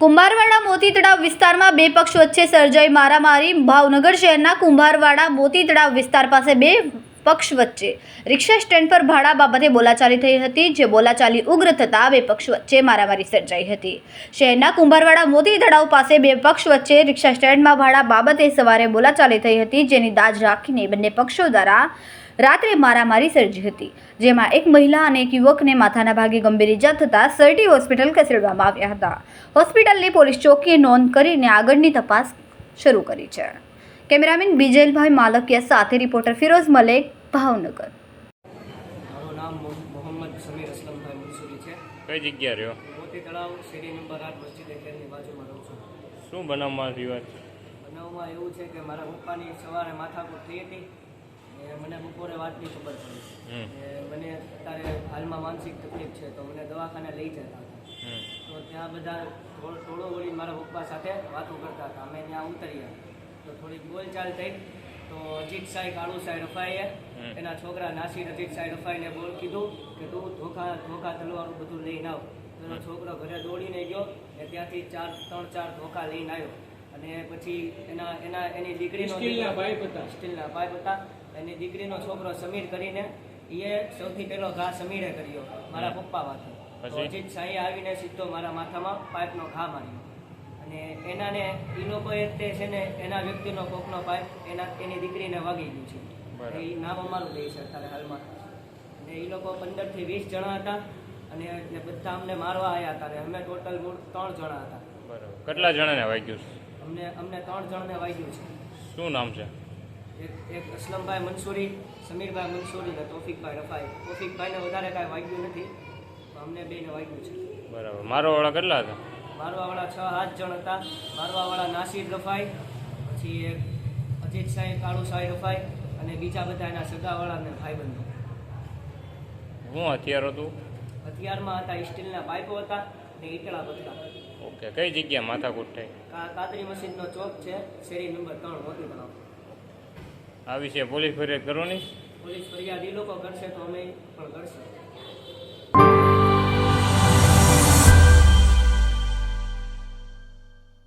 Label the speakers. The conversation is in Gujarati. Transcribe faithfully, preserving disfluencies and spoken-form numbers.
Speaker 1: કુંભારવાડા મોતી તળાવ વિસ્તારમાં બે પક્ષ વચ્ચે સર્જાઈ મારામારી। ભાવનગર શહેરના કુંભારવાડા મોતી તળાવ વિસ્તાર પાસે બે પક્ષ વચ્ચે રિક્ષા સ્ટેન્ડ પર ભાડા બાબતે બોલાચાલી થઈ હતી, જે બોલાચાલી ઉગ્ર થતાં બે પક્ષ વચ્ચે મારામારી સર્જાઈ હતી। શહેરના કુંભારવાડા મોતી તળાવ પાસે બે પક્ષ વચ્ચે રિક્ષા સ્ટેન્ડમાં ભાડા બાબતે સવારે બોલાચાલી થઈ હતી, જેની દાજ રાખીને બંને પક્ષો દ્વારા રાત્રે મારામારી સર્જી હતી, જેમાં એક મહિલા અને એક યુવકને માથાના ભાગે ગંભીર ઇજા થતાં સરટી હોસ્પિટલ ખસેડવામાં આવ્યા હતા। હોસ્પિટલની પોલીસ ચોકીએ નોંધ કરીને આગળની તપાસ શરૂ કરી છે। કેમેરામેન બીજલભાઈ માલકિયા સાથે રિપોર્ટર ફિરોઝ મલેક, ભાવનગર।
Speaker 2: મારું નામ મોહમ્મદ સમીર અસલમભાઈ મંસૂરી છે।
Speaker 3: કઈ જગ્યા રહ્યો?
Speaker 2: મોતી તળાવ શેરી નંબર આઠ મસ્જિદ કેરની બાજુમાં રહું છું।
Speaker 3: શું બનાવમાં રિવાજ?
Speaker 2: બનાવમાં એવું છે કે મારા પપ્પાની સવારે માથાકૂટ થઈ હતી અને મને બપોરે વાતની ખબર પડી કે મને અત્યારે હાલમાં માનસિક તકલીફ છે, તો મને દવાખાને લઈ જતા હતા। તો ત્યાં બધા ટોળો વળી મારા પપ્પા સાથે વાતો કરતા હતા। અમે ત્યાં ઉતર્યા તો થોડીક બોલચાલ થઈ, તો અજીત સાહેબ કાળુ સાહેબ રફાઈએ એના છોકરા નાસિર અજીત સાહેબ રફાઈને બોલ કીધું કે તું ધોખા ધોખા તલવારું બધું લઈને આવ। તો એનો છોકરો ઘરે દોડીને ગયો ને ત્યાંથી ચાર ત્રણ ચાર ધોખા લઈને આવ્યો અને પછી એના એના એની દીકરીનો સ્ટીલના પાઇપ હતા સ્ટીલના પાઇપ હતા એની દીકરીનો છોકરો સમીર કરીને એ સૌથી પહેલો ઘા સમીરે કર્યો મારા પપ્પા માથે। અજીત સાંઈ આવીને સીધો મારા માથામાં પાઇપનો ઘા માર્યો અને એનાને એ લોકોએ તે છે ને એના વ્યક્તિનો કોકનો પાઇપ એના એની દીકરીને વાગી ગયું છે। એ નામ અમારું દે છે અત્યારે હાલમાં। અને એ લોકો પંદરથી વીસ જણા હતા અને એટલે બધા અમને મારવા આવ્યા હતા। અમે ટોટલ મૂળ ત્રણ જણા હતા।
Speaker 3: બરાબર, કેટલા જણાને વાગ્યું છે?
Speaker 2: અમને અમને ત્રણ જણને વાગ્યું છે।
Speaker 3: શું નામ છે?
Speaker 2: એક એક અસલમભાઈ મંસૂરી, સમીરભાઈ મંસૂરી અને તોફિકભાઈ રફાઈ। તોફિકભાઈને વધારે કાંઈ વાગ્યું નથી, અમને બેને વાગ્યું છે।
Speaker 3: બરાબર, મારવાવાળા કેટલા હતા?
Speaker 2: મારવાવાળા છ સાત જણ હતા। મારવાવાળા નાસિર રફાઈ, પછી એક અજીત સાહેબ કાળુ સાહેબ રફાઈ અને બીજા બધા એના સગાવાળા અને ભાઈબંધો।
Speaker 3: શું હથિયાર હતું?
Speaker 2: હથિયારમાં હતા સ્ટીલના પાઇપો હતા ને ઈટળા બચકા।
Speaker 3: ઓકે, કઈ જગ્યા માથાકૂટ થઈ?
Speaker 2: કાદરી મસ્જિદનો ચોક છે, શેરી નંબર ત્રણ મોતી તળાવ।
Speaker 3: આ વિશે પોલીસ ફરિયાદ કરવાની?
Speaker 2: પોલીસ ફરિયાદ એ લોકો કરશે તો અમે પણ કરશે।